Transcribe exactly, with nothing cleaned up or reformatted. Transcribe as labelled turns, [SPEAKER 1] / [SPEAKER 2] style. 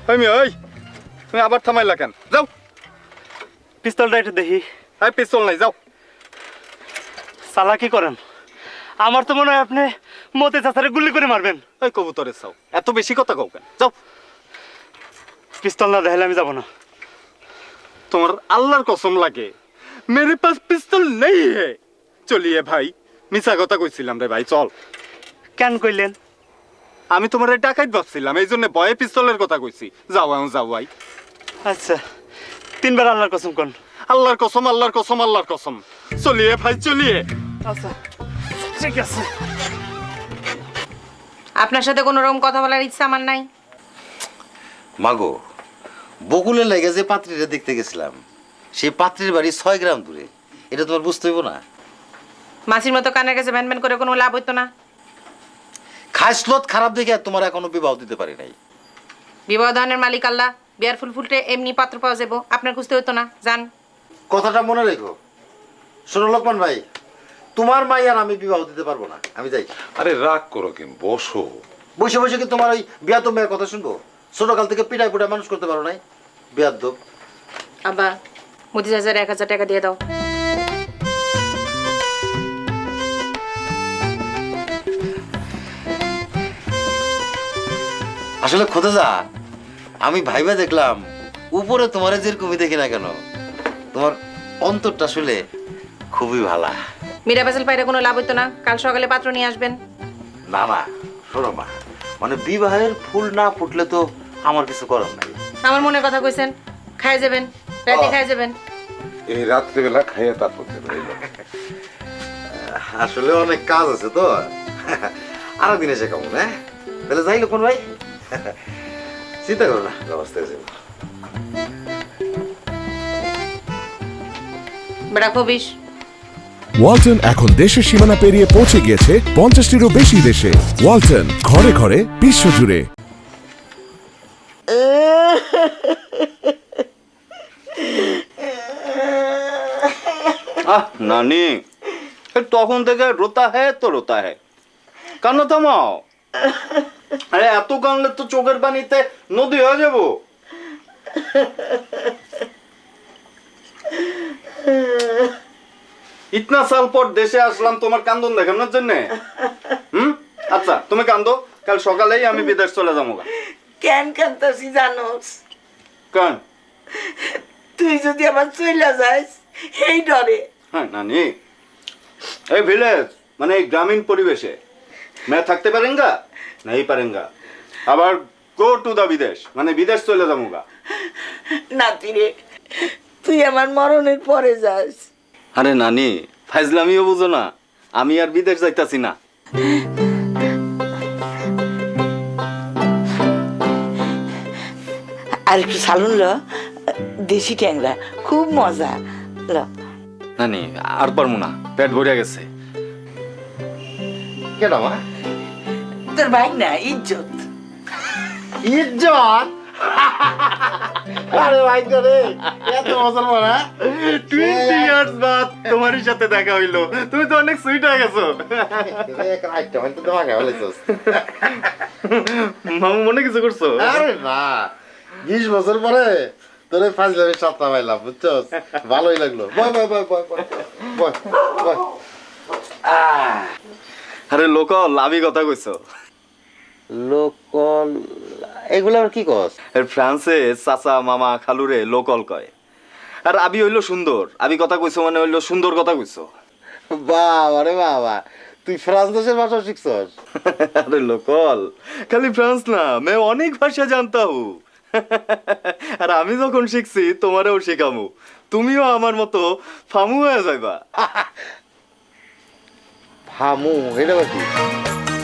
[SPEAKER 1] আমি ওই তুমি আবার থামাইলা কেন? যাও
[SPEAKER 2] পিস্তলটা একটু দেখি।
[SPEAKER 1] এই পিস্তল নাই, যাও।
[SPEAKER 2] চালাকি করেন, আমার তো মনে হয় আপনি মতে চাচারে গুলি করে মারবেন।
[SPEAKER 1] এই কবুতরের চাও, এত বেশি কথা কও কেন? যাও।
[SPEAKER 2] পিস্তল না দেখালে আমি যাব না।
[SPEAKER 1] তোমার আল্লাহর কসম লাগে, মেরে পাস পিস্তল নেই হে। চলিয়ে ভাই, মিছা কথা কইছিলাম রে ভাই, চল।
[SPEAKER 2] কেন কইলেন?
[SPEAKER 1] আমি তোমার ডাকাইত ভাবছিলাম, এই জন্য ভয়ে পিস্তলের কথা কইছি। যাও এখন যাও ভাই।
[SPEAKER 2] আচ্ছা, তিনবার আল্লাহর কসম কোন।
[SPEAKER 1] আল্লাহর কসম, আল্লাহর কসম, আল্লাহর কসম। চলিয়ে ভাই, চলিয়ে।
[SPEAKER 2] আচ্ছা ঠিক আছে।
[SPEAKER 3] আপনার সাথে কোনো রকম কথা বলার ইচ্ছা আমার নাই।
[SPEAKER 4] মাগো, বকুলের লাগে যে পাত্রীরা দেখতে গেছিলাম, সেই পাত্রীর বাড়ি ছয় গ্রাম দূরে। এটা তোমার বুঝতে হইব না?
[SPEAKER 3] মাসির মতো কানের কাছে ভ্যান ভ্যান করে কোনো লাভ হইতো না।
[SPEAKER 4] খাসলত খারাপ দেখে আর তোমার এখনো বিবাহ দিতে পারি নাই।
[SPEAKER 3] বিবাহ দানের মালিক আল্লাহ, বিয়ার ফুল ফুলটে এমনি পাত্র পাওয়া যাবো, আপনার খুঁজতে হইতো না। যান।
[SPEAKER 4] কথাটা মনে রেখো। শোনো লোকমান ভাই, তোমার মাই আর আমি বিবাহ দিতে পারবো না, আমি যাই।
[SPEAKER 5] আরে রাগ করো কেন, বসো।
[SPEAKER 4] বসে বসে কি তোমার ওই বিয়া তো মেয়ের কথা শুনবো? ছোটকাল থেকে পিটাই পুটাই মানুষ করতে পারো নাই, বিয়ার দোপ।
[SPEAKER 3] আব্বা, মুদি হাজার এক হাজার টাকা দিয়ে দাও।
[SPEAKER 4] আসলে খোদা যা, আমি ভাইবা দেখলাম উপরে তোমার যেরকমই দেখি না কেন, তোমার অন্তরটা আসলে খুবই ভালা।
[SPEAKER 3] মীরা ফেসেল পাইরে কোনো লাভ হইতো না। কাল সকালে পাত্র নিয়ে আসবেন।
[SPEAKER 4] না না, শোনো মা, মানে বিবাহের ফুল না ফুটলে তো আমার কিছু করার নাই।
[SPEAKER 3] আমার মনে কথা কইছেন, খাই যাবেন, রাতে খাই যাবেন।
[SPEAKER 5] এই রাত্রেবেলা খাইয়ে তারপর দেবে।
[SPEAKER 4] আসলে অনেক কাজ আছে তো, আরো দিন এসে কেমন। হ্যাঁ তাহলে যাই লোকন ভাই, চিন্তা করো না, ব্যবস্থা আছে।
[SPEAKER 3] বেড়া খবিস।
[SPEAKER 6] ওয়ালটন এখন দেশের সীমানা পেরিয়ে পৌঁছে গিয়েছে পঞ্চাশটিরও বেশি দেশে। ওয়ালটন, ঘরে ঘরে বিশ্বজুড়ে।
[SPEAKER 1] আহ নানি, তখন থেকে রোতা হ্যাঁ তো রোতা হ্যাঁ, কান্না থামাও। আরে এত কানলে তো চোখের পানিতে নদী হয়ে যাবো। ইতনা সাল পর দেশে আসলাম তোমার কান্দন দেখানোর জন্য। হুম, আচ্ছা তুমি কান্দো, কাল সকালেই আমি বিদেশ চলে যাবো।
[SPEAKER 7] কেন কান্তাসি জানোস?
[SPEAKER 1] কেন?
[SPEAKER 7] তুই যদি আবার চইলা যাস এই ডরে।
[SPEAKER 1] হ্যাঁ নানি, এই ভিলেজ মানে এই গ্রামীণ পরিবেশে मैं থাকতে পারেঙ্গা नहीं পারেঙ্গা, আবার গো টু দা বিদেশ মানে বিদেশ চলে যাবো।
[SPEAKER 7] নাতি রে, তুই আমার মরণের পরে যাস।
[SPEAKER 1] আরে নানি, ফাইজলামিও বুঝো না, আমি আর বিদেশ যাইতাছি না।
[SPEAKER 7] আর একটু সালুন ল, দেশি ট্যাংরা খুব মজা ল।
[SPEAKER 1] নানি আর পারবো না, পেট ভরে গেছে।
[SPEAKER 4] কেন মা?
[SPEAKER 7] তোর ভাই না ইজ্জত।
[SPEAKER 4] ইজ্জত? আরে ভাই রে, এত মজার মারা।
[SPEAKER 1] টোয়েন্টি ইয়ার্স বাদ তোমারই সাথে দেখা হইলো, তুমি তো অনেক সুইট হয়ে গেছো।
[SPEAKER 4] এক রাইট মানে তো তোমাকে বলেছস।
[SPEAKER 1] মামু মনে কিছু করছো?
[SPEAKER 4] আরে না, বিশ বছর পরে তোরে ফাজলামি সাতটা পাইলাম, বুঝছস? ভালোই লাগলো। বয় বয় বয় বয় বয় বয় বয়।
[SPEAKER 1] আরে লোক লাভি কথা কইছো।
[SPEAKER 4] লোকল এগুলো আবার কি কস?
[SPEAKER 1] আর ফ্রান্সে চাচা মামা খালুরে লোকল কয়। আর আবি হইলো সুন্দর, আবি কথা কইছো মানে হইলো সুন্দর কথা কইছো।
[SPEAKER 4] বাবা রে বাবা, তুই ফ্রান্স দেশের ভাষা শিখছস?
[SPEAKER 1] আরে লোকল খালি ফ্রান্স না, मैं অনেক ভাষা জানতা হু। আর আমি যখন শিখছি তোমারেও শেখামু, তুমিও আমার মতো ফামু হয়ে যাইবা।
[SPEAKER 4] ফামু এটা কি?